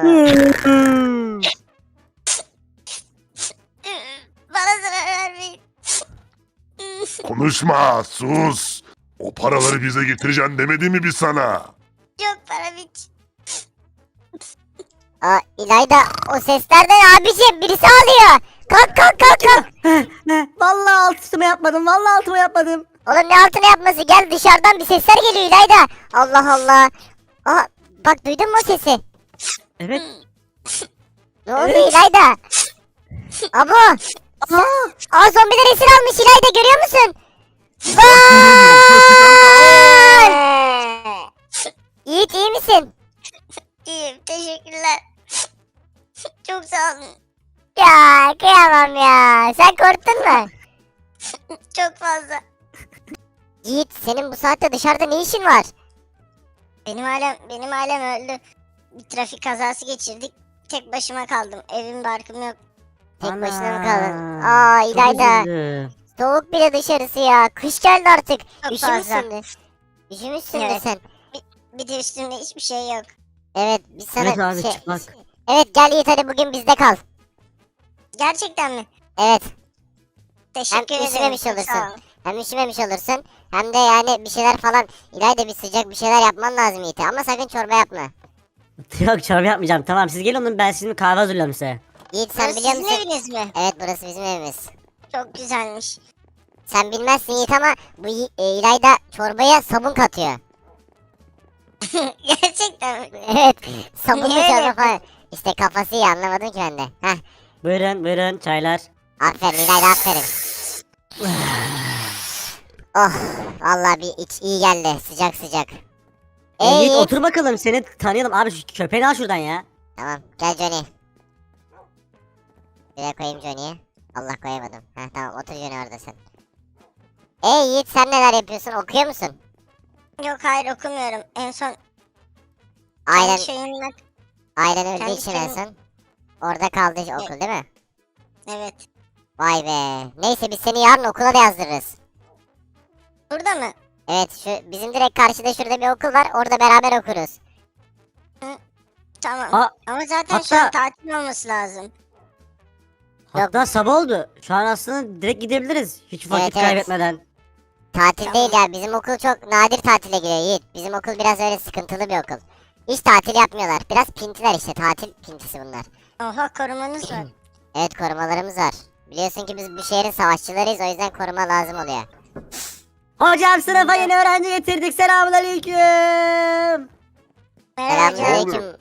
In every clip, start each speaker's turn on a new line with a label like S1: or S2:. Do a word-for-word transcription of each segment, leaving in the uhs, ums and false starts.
S1: Bana zarar vermeyin.
S2: Konuşma, sus. O paraları bize getireceksin demedi mi biz sana?
S1: Yok param hiç.
S3: Aa, İlayda o sesler de ne abicim? Birisi ağlıyor. Kalk kalk kalk kalk.
S4: Vallahi altıma yapmadım. Vallahi altıma yapmadım.
S3: Oğlum ne altına yapması? Gel dışarıdan bir sesler geliyor İlayda. Allah Allah. Aa, bak duydun mu o sesi?
S4: Evet.
S3: Ne oldu
S4: Evet.
S3: İlayda? Abo.
S4: Aa,
S3: Aa zombiler esir almış İlayda, görüyor musun? Vay! Yiğit iyi misin?
S1: İyiyim teşekkürler. Çok sağ olun.
S3: Ya kıyamam ya. Sen korktun mu?
S1: Çok fazla.
S3: Yiğit senin bu saatte dışarıda ne işin var?
S1: Benim ailem, benim ailem öldü. Bir trafik kazası geçirdik. Tek başıma kaldım. Evim barkım yok.
S3: Tek
S4: ana.
S3: başına mı kaldın? Aa
S4: Çok
S3: İlayda.
S4: üzüldüm.
S3: Soğuk bile dışarısı ya. Kış geldi artık.
S1: Çok
S3: Üşümüşsündür. Üşümüşsündür
S1: Evet.
S3: sen.
S1: Bir de üstümde hiçbir şey yok.
S3: Evet biz sana
S4: Evet abi
S3: şey...
S4: çıplak.
S3: Evet gel Yiğit hadi bugün bizde kal.
S1: Gerçekten mi?
S3: Evet.
S1: Teşekkür
S3: Hem
S1: ederim.
S3: üşümemiş
S1: çok
S3: olursun.
S1: sağ olun.
S3: Hem üşümemiş olursun. Hem de yani bir şeyler falan. İlayda bir sıcak bir şeyler yapman lazım Yiğit'e. Ama sakın çorba yapma.
S4: Yok çorba yapmayacağım. Tamam siz gelin oğlum ben sizin kahve hazırlıyorum size.
S3: Yiğit sen
S1: Burası
S3: biliyor
S1: sizin
S3: musun?
S1: eviniz mi?
S3: Evet burası bizim evimiz.
S1: Çok güzelmiş.
S3: Sen bilmezsin Yiğit ama bu Yi- e, İlayda çorbaya sabun katıyor.
S1: Gerçekten mi?
S3: Evet. Sabunlu
S1: Niye öyle
S3: çorba
S1: yapıyorsun?
S3: falan. İşte kafası iyi, anlamadım ki ben de. Heh.
S4: Buyurun buyurun çaylar.
S3: Aferin İlayda aferin. Oh vallahi bir iç iyi geldi sıcak sıcak.
S4: E,
S3: Ey
S4: Yiğit
S3: Yiğit.
S4: otur bakalım seni tanıyalım abi şu köpeğini al şuradan ya.
S3: Tamam gel Johnny. Buraya koyayım Johnny'yi. Allah koyamadım. Heh tamam otur Johnny orada sen. Ey Yiğit sen neler yapıyorsun, okuyor musun?
S1: Yok hayır okumuyorum. En son
S3: Ailen,
S1: kendi şeyimle...
S3: ailen öldüğü
S1: kendi
S3: için en
S1: şeyim-
S3: son. Orada kaldı okul değil mi?
S1: Evet.
S3: Vay be. Neyse biz seni yarın okula da yazdırırız.
S1: Burada mı?
S3: Evet şu bizim direkt karşıda şurada bir okul var, orada beraber okuruz.
S1: Tamam.
S4: Aa,
S1: Ama zaten şu
S4: hatta-
S1: an tatil olması lazım.
S4: Hatta sabah oldu. Şu an aslında direkt gidebiliriz. Hiç vakit
S3: Evet, evet.
S4: kaybetmeden.
S3: Tatil
S1: Tamam.
S3: değil ya, bizim okul çok nadir tatile giriyor Yiğit. Bizim okul biraz öyle sıkıntılı bir okul. Hiç tatil yapmıyorlar. Biraz pintiler işte, tatil pintisi bunlar.
S1: Oha korumanız var.
S3: Evet korumalarımız var. Biliyorsun ki biz bu şehrin savaşçılarıyız, o yüzden koruma lazım oluyor.
S4: Hocam sınıfa yeni öğrenci getirdik. Selamünaleyküm.
S1: Merhaba hocam.
S3: Selamünaleyküm.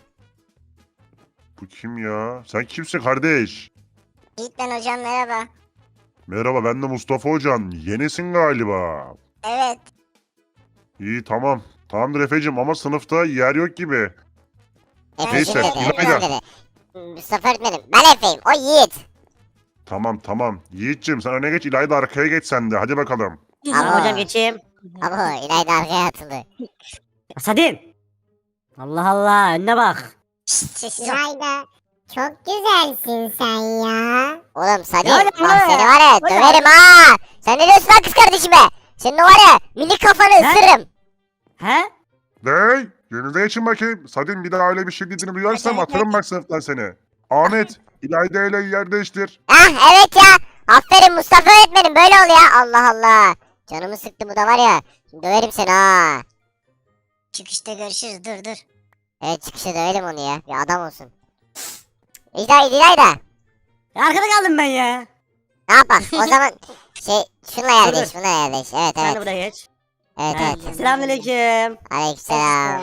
S2: Bu kim ya? Sen kimsin kardeş?
S1: Yiğit ben hocam merhaba.
S2: Merhaba ben de Mustafa Hocan. Yenisin galiba.
S1: Evet.
S2: İyi tamam. Tamamdır Efe'cim ama sınıfta yer yok gibi.
S3: Efe'cim
S2: Neyse,
S3: dedi,
S2: İlayda.
S3: Efe'cim dedi. Mustafa öğretmenim, ben Efe'yim, o Yiğit.
S2: Tamam tamam. Yiğit'cim sen öne geç, İlayda arkaya geç sen de. Hadi bakalım.
S4: Tamam
S3: Aa.
S4: hocam geçeyim.
S3: Abo İlayda arkaya atıldı.
S4: Sadin. Allah Allah önüne bak.
S1: Şşt, sessiz ol.
S3: İlayda çok güzelsin sen ya. Oğlum Sadin
S4: Ya,
S3: bak
S4: ya.
S3: seni var ya
S4: O ne
S3: döverim ha. Sen ne diyorsun lan kız kardeşime? Senin o var ya minik kafanı
S4: He?
S3: ısırırım.
S4: He?
S2: Dey! Yerinize geçin bakayım. Sadin bir daha öyle bir şey dediğini duyarsam
S1: Hadi,
S2: atarım bak sınıftan seni. Ahmet, İlayda ile yer değiştir.
S3: Ah evet ya. Aferin Mustafa öğretmenim, böyle ol ya. Allah Allah. Canımı sıktı bu da var ya. Şimdi döverim seni ha.
S1: Çıkışta görüşürüz dur dur.
S3: Evet çıkışta dövelim onu ya. Bir adam olsun. İlayda İlayda.
S4: Ya arkada kaldım ben ya.
S3: Ne yapalım? O zaman şey şunla yer
S4: Dur,
S3: değiş,
S4: dur.
S3: şunla yer değiş. Evet
S4: Sen de
S3: evet.
S4: buraya geç.
S3: Evet
S4: He,
S3: evet.
S4: Selamünaleyküm.
S3: Aleykümselam.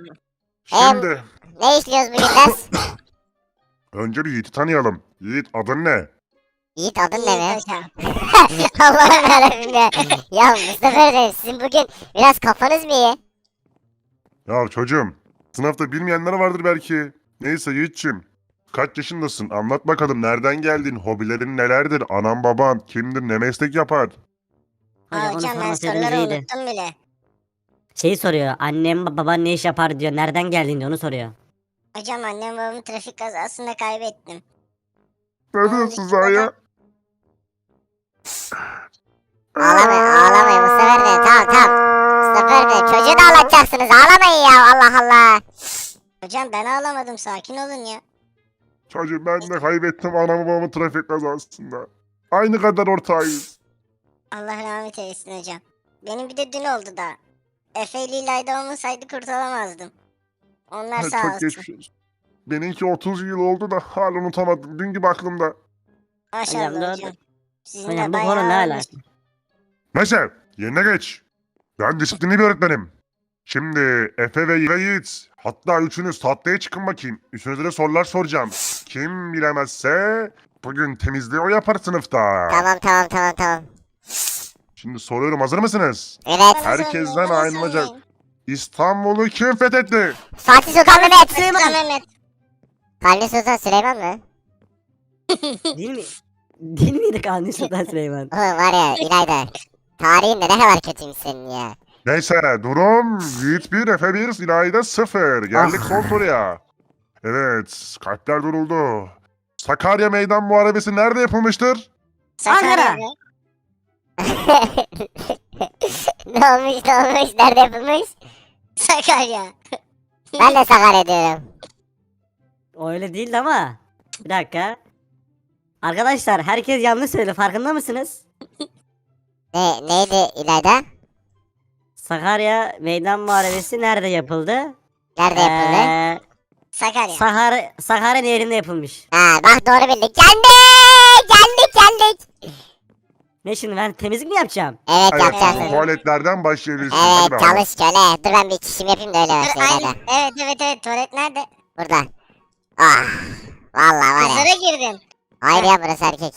S2: Şimdi
S3: Ne işliyoruz bugün ders?
S2: önce bir Yiğit'i tanıyalım. Yiğit adın ne?
S3: Yiğit adın ne mi?
S1: Yiğit hocam.
S3: Allah'ım yarabbim ya. Ya Mustafa öğretmenim sizin bugün biraz kafanız mı iyi?
S2: Ya çocuğum, sınıfta bilmeyenler vardır belki. Neyse Yiğit'cim, kaç yaşındasın? Anlat bakalım nereden geldin? Hobilerin nelerdir? Anan baban kimdir? Ne meslek yapar?
S1: Aa,
S4: Hocam onu
S1: hocam ben
S4: sormasaydınız
S1: soruları
S4: iyiydi.
S1: unuttum bile.
S4: Şeyi soruyor. Annem baban ne iş yapar diyor. Nereden geldin diyor onu soruyor.
S1: Hocam annem babamı trafik kazasında kaybettim.
S2: Ne diyorsun sen ya?
S3: Ağlamayın ağlamayın Mustafa öğretmenim, tamam tamam. Mustafa öğretmenim çocuğu da ağlatacaksınız, ağlamayın ya, Allah Allah.
S1: Hocam ben ağlamadım, sakin olun ya.
S2: Çocuğum ben de kaybettim anamı babamı trafik kazasında. Aynı kadar ortağıyız.
S1: Allah rahmet eylesin hocam. Benim bir de dün oldu da. Efe ile İlayda olmasaydı kurtulamazdım. Onlar sağ
S2: Çok
S1: olsun.
S2: geçmiş olsun. Benimki otuz yıl oldu da hala unutamadım. Dün gibi aklımda.
S1: Maşallah
S4: Hocam,
S1: hocam.
S4: doğru.
S1: Sizin
S4: Hocam
S1: de
S4: bu
S1: bayağı
S4: konu ne
S1: ağırmış.
S4: alaka?
S2: Neyse yerine geç. Ben disiplinli bir öğretmenim. Şimdi Efe ve Yiğit, hatta üçünüz tatlıya çıkın bakayım. Üçünüze de sorular soracağım. Kim bilemezse bugün temizliği o yapar sınıfta.
S3: Tamam tamam tamam tamam.
S2: Şimdi soruyorum, hazır mısınız?
S3: Evet.
S1: Bana
S2: Herkesten
S1: sormayın, bana
S2: ayrılacak.
S1: sormayın.
S2: İstanbul'u kim fethetti?
S3: Fatih Sultan Mehmet.
S1: Sultan Mehmet.
S3: Kanuni Sultan Süleyman mı?
S4: Değil mi? Değil miydi Kanuni Sultan Süleyman?
S3: Oğlum var ya İlayda. Tarihin de ne kadar kötüymüş senin ya.
S2: Neyse durum Yiğit bir, Efe bir, İlayda sıfır. Geldik
S3: Ah.
S2: son soruya. Evet, kalpler duruldu. Sakarya Meydan Muharebesi nerede yapılmıştır?
S1: Sakarya.
S4: Ankara.
S1: mı?
S3: Ne olmuş ne olmuş nerede yapılmış?
S1: Sakarya.
S3: Ben de Sakarya diyorum.
S4: O öyle değildi ama. Bir dakika. Arkadaşlar herkes yanlış söyledi, farkında mısınız?
S3: Ne, neydi İlayda?
S4: Sakarya Meydan Muharebesi nerede yapıldı?
S3: Nerede yapıldı?
S4: Ee,
S1: Sakarya.
S4: Sakarya, Sakarya Nehri'nde yapılmış.
S3: Ha bak doğru bildik. Geldik! Geldik geldik.
S4: Ne şimdi, ben temizlik mi yapacağım?
S3: Evet
S2: Evet,
S3: yapacaksın.
S2: tuvaletlerden başlayabilirsiniz. Hadi
S3: Evet
S2: bakalım.
S3: çalış köle. Dur ben bir çişimi yapayım da öyle
S1: Dur,
S3: başlayayım
S1: aynen.
S3: İlayda.
S1: Evet evet evet, tuvalet nerede?
S3: Burada. Ah. Vallahi var ya.
S1: Kızlara girdim.
S3: Hayır ya burası erkek.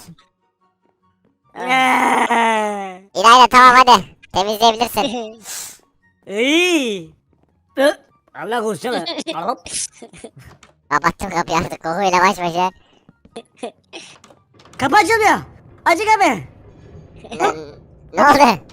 S4: Eee.
S3: İlayda tamam hadi. Temizleyebilirsin.
S4: İyi. Ö, Allah konuşsana. Hop.
S3: Kapattım kapıyı artık kokuyla baş başa.
S4: Kapı açılmıyor. Açık abi.
S3: Lan, ne oldu?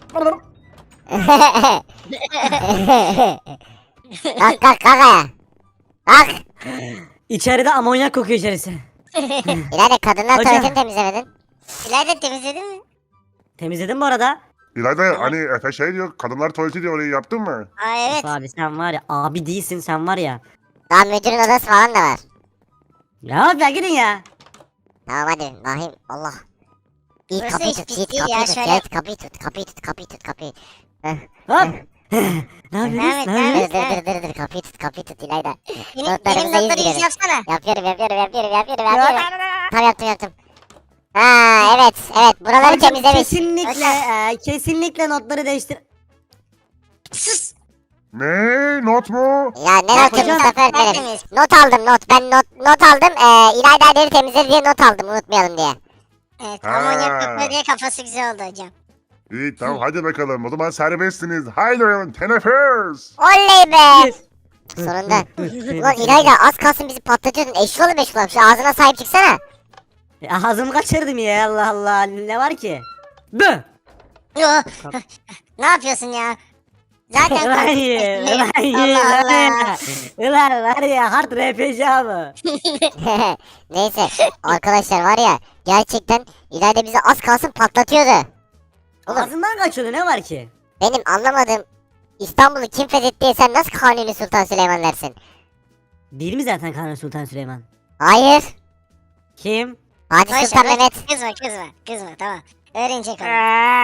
S3: Kalk kalk kalk ayağa. Kalk.
S4: İçeride amonyak kokuyor içerisi.
S3: İlayda kadınlar
S4: Hocam.
S3: tuvaletini temizlemedin.
S1: İlayda temizledin mi?
S4: Temizledim bu arada.
S2: İlayda hani Efe şey diyor, kadınlar tuvaleti diyor, orayı yaptın mı?
S1: Aa evet.
S4: Abi sen var ya, abi değilsin sen var ya.
S3: Daha müdürün odası falan da var.
S4: Ya ben gidin ya.
S3: Tamam hadi Nahim Allah. İyi
S1: Burası
S3: kapıyı
S1: hiç
S3: tut,
S1: pis
S3: Yiğit
S1: değil
S3: kapıyı
S1: ya,
S3: tut,
S1: şöyle-
S3: Yiğit kapıyı tut, kapıyı tut, kapıyı tut, kapıyı. Heh.
S4: Hop. Ne yapıyorsunuz?
S1: Evet,
S4: Ne
S3: Dur
S1: evet.
S4: yapıyorsunuz?
S3: dur dur dur dur kapıyı tut, kapıyı tut İlayda.
S1: Benim,
S3: Notlarımıza
S1: benim
S3: yüz
S1: notları yüz
S3: girelim.
S1: yapsana.
S3: Yapıyorum yapıyorum yapıyorum yapıyorum yapıyorum. Tamam yaptım yaptım. Ha evet evet buraları
S4: Hocam,
S3: temizlemiş.
S4: kesinlikle e, kesinlikle notları değiştir.
S1: Sus.
S2: Ne? Not mu?
S3: Ya ne
S1: Bak
S3: notu
S4: hocam,
S3: Mustafa öğretmenim.
S1: tertemiz.
S3: Not aldım not ben not not aldım. Ee, İlayda deri temizledi diye not aldım unutmayalım diye.
S1: Evet,
S2: Ha.
S1: amonyak kokuyor diye kafası güzel oldu hocam.
S2: İyi tamam hadi bakalım. O zaman serbestsiniz. Haydi oynayalım. Teneffüs.
S3: Oley be. Sonunda. Ulan İlayda az kalsın bizi patlatıyordun. Eşşoğlu meşgul şu ağzına sahip çıksana.
S4: Ya, ağzımı kaçırdım ya, Allah Allah, ne var ki? Bı!
S1: Yo. Ne yapıyorsun ya? Zaten
S4: Ulan ye, ulan ye,
S1: Allah
S4: ulan ye.
S1: Allah.
S4: Ulan var ya, hard R P G abi.
S3: Neyse arkadaşlar var ya gerçekten İlayda bizi az kalsın patlatıyordu. Oğlum
S4: Ağzından kaçıyordu, ne var ki?
S3: benim anlamadığım İstanbul'u kim fethetti diye sen nasıl Kanuni Sultan Süleyman dersin?
S4: Değil mi zaten Kanuni Sultan Süleyman?
S3: Hayır.
S4: Kim?
S3: Fatih
S1: Boş
S3: Sultan
S1: ver, boş-
S3: Mehmet.
S1: Kızma kızma kızma tamam. Öğrenecek onu.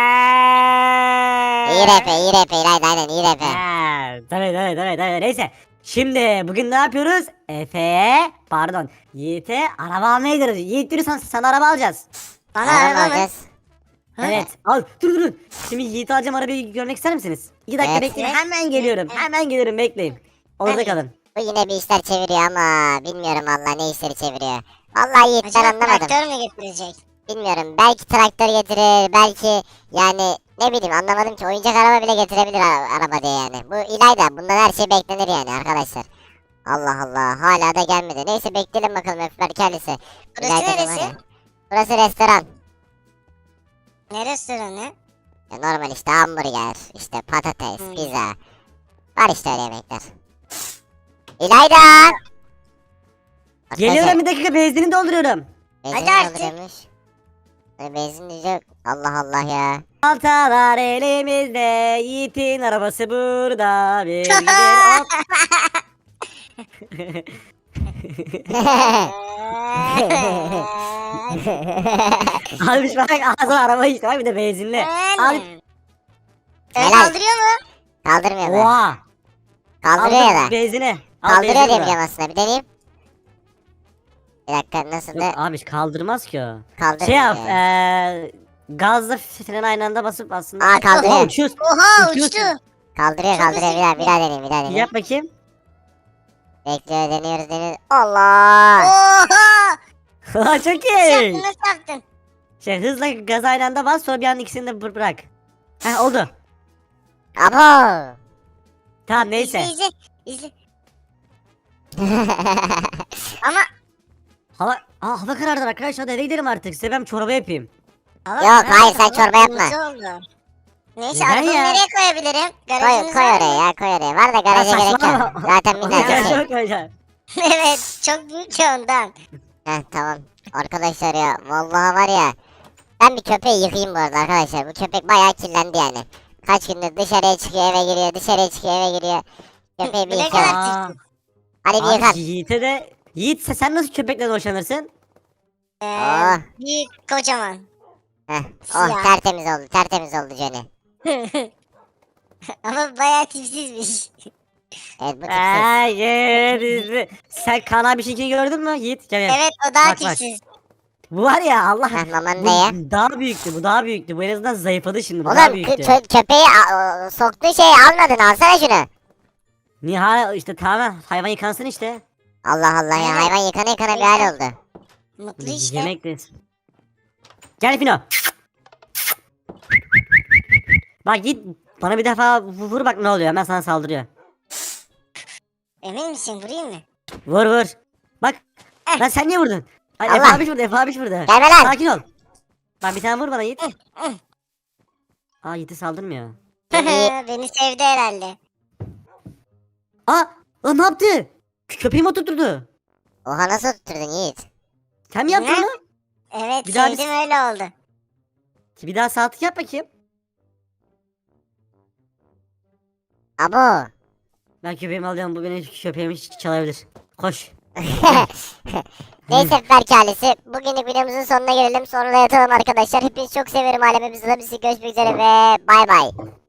S3: İyi rap iyi rap İlayda aynen iyi rap.
S4: Ha, tabii tabii tabii tabii, neyse. Şimdi bugün ne yapıyoruz? Efe'ye, pardon, Yiğit'e araba almaya gidiyoruz. Yiğit yürü, sana araba alacağız.
S1: Bana
S3: Araba
S1: araba mı?
S3: alacağız.
S4: Evet, al, dur dur dur. Şimdi Yiğit'i alacağım, arabayı görmek ister misiniz? İki dakika
S3: Evet.
S4: bekleyin,
S1: Evet.
S4: hemen geliyorum,
S1: Evet.
S4: hemen geliyorum, bekleyin. Orada
S1: Hadi.
S4: kalın.
S3: Bu yine bir işler çeviriyor ama bilmiyorum valla ne işleri çeviriyor. Vallahi Yiğit ben
S1: Acaba
S3: anlamadım.
S1: traktör mü getirecek?
S3: Bilmiyorum belki traktör getirir belki yani ne bileyim anlamadım ki oyuncak araba bile getirebilir ara- araba diye yani. Bu İlayda bundan her şey beklenir yani arkadaşlar. Allah Allah hala da gelmedi. Neyse bekleyelim bakalım öpler kendisi.
S1: Burası
S3: İlayda'nın var
S1: neresi?
S3: ya. Burası restoran.
S1: Ne restoranı?
S3: Ya normal işte hamburger, işte patates,
S1: Hmm.
S3: pizza. Var işte öyle yemekler. İlayda!
S4: Geliyorum, bir dakika, benzinini dolduruyorum.
S3: Benzin
S1: Hadi artık.
S3: dolduruyormuş. Böyle benzin yok. Allah Allah ya.
S4: Baltalar elimizde, Yiğit'in arabası burada. Bir gidelim, hop. Abi bak ağzına araba işte bak bir de benzinli. Abi
S1: Öyle
S3: Helal.
S1: kaldırıyor mu?
S3: Kaldırmıyor mu?
S4: oha.
S3: Kaldırıyor
S4: Al
S3: ya
S4: bak
S3: da.
S4: benzini. Al
S3: Kaldırıyor
S4: benzini
S3: diye
S4: bırak.
S3: biliyorum aslında. Bir deneyeyim. Bir dakika nasıl da
S4: Yok abi kaldırmaz ki o.
S3: kaldırmıyor.
S4: Şey yap
S3: ya.
S4: eee gazla freni aynı anda basıp aslında.
S3: Aa, kaldırıyor.
S4: Oha, uçuyorsun.
S1: Oha
S4: Uçuyorsun.
S1: uçtu.
S3: Kaldırıyor
S1: Çok
S3: kaldırıyor. Bir daha bir
S1: hızlı
S3: daha deneyeyim bir daha deneyeyim.
S4: Yap bakayım.
S3: Bekliyor deniyoruz deniyoruz. Allah.
S1: Oha.
S4: Çok
S1: Nasıl
S4: iyi.
S1: yaptın nasıl yaptın?
S4: Şey hızla gaz aynı anda bas sonra bir anda ikisini de bır- bırak. Heh oldu.
S3: Abo.
S1: İzle
S4: Tamam neyse.
S1: izle. İzle. Ama
S4: Hava, aa, hava karardı arkadaşlar hadi eve gidelim artık. Size ben çorba yapayım.
S1: Ama
S3: Yok,
S1: karar
S3: hayır, sen
S1: verdim,
S3: çorba yapma.
S1: kırmızı oldu. Neyse
S4: Neden
S1: arabamı
S4: ya?
S1: nereye koyabilirim?
S3: koy,
S1: Garajınız
S3: koy
S1: var
S3: oraya
S1: mı?
S3: ya koy oraya. Var da garaja
S4: Ya
S3: gerek yok.
S4: saçmalama.
S3: Zaten
S4: Ya,
S3: minnacık şey.
S4: çok güzel.
S1: Evet çok büyük ya ondan.
S3: Heh tamam. Arkadaşlar ya vallahi var ya. Ben bir köpeği yıkayayım bu arada arkadaşlar. Bu köpek bayağı kirlendi yani. Kaç gündür dışarıya çıkıyor eve giriyor dışarıya çıkıyor eve giriyor. Köpeği bir
S1: Ne
S3: yıkayalım.
S1: kadar
S4: Aa,
S3: Hadi bir yıkan.
S4: abi Yiğit'e de Yiğit sen- sen nasıl köpekle hoşlanırsın?
S1: Ee,
S3: Oh.
S1: büyük kocaman.
S3: Heh. Oh
S1: Siyah.
S3: tertemiz oldu tertemiz oldu Johnny.
S1: Ama bayağı tipsizmiş.
S3: Evet bu tipsiz.
S4: Hayır. Sen kan abi şekli gördün mü Yiğit? Gel gel.
S1: Evet o daha
S4: Bak, bak.
S1: tipsiz.
S4: Bu var ya Allah.
S3: Heh mamanı
S4: Bu
S3: da ye.
S4: daha büyüktü bu daha büyüktü. Bu en azından zayıfladı şimdi bu daha
S3: Oğlum
S4: büyüktü.
S3: kö- kö- köpeği a- o- soktuğun şeyi almadın alsana şunu.
S4: Niye hala işte tamamen hayvan yıkansın işte.
S3: Allah Allah ya
S1: Aynen.
S3: hayvan yıkana yıkana bir hal oldu.
S1: Mutlu işte.
S4: Yemek de. Gel Fino. Bak git bana bir defa vu- vur bak ne oluyor hemen sana saldırıyor.
S1: Emin misin vurayım mı?
S4: Vur vur. Bak.
S1: Eh.
S4: Lan sen niye vurdun? Ay,
S3: Allah.
S4: Efe abiş vurdu Efe abiş vurdu.
S3: Gelme lan.
S4: Sakin ol. Bak bir tane vur bana Yiğit.
S1: eh.
S4: Aa Yiğit'e saldırmıyor.
S3: İyi.
S1: Beni sevdi herhalde.
S4: Aa lan ne yaptı? Kö- Köpeğimi oturtturdu.
S3: Oha nasıl tutturdun Yiğit?
S4: Sen mi yaptın
S1: Ne?
S4: onu?
S1: Evet
S4: Bir daha
S1: sevdim
S4: biz-
S1: öyle oldu.
S4: Bir daha saatlik yap bakayım.
S3: Abo.
S4: Ben köpeğimi alıyorum bu benim köpeğimi ç- çalabilir. Koş.
S3: Neyse Berk ailesi bugünlük videomuzun sonuna gelelim sonra da yatalım arkadaşlar. Hepinizi çok severim alemimizde. Bizi görüşmek üzere ve bay bay.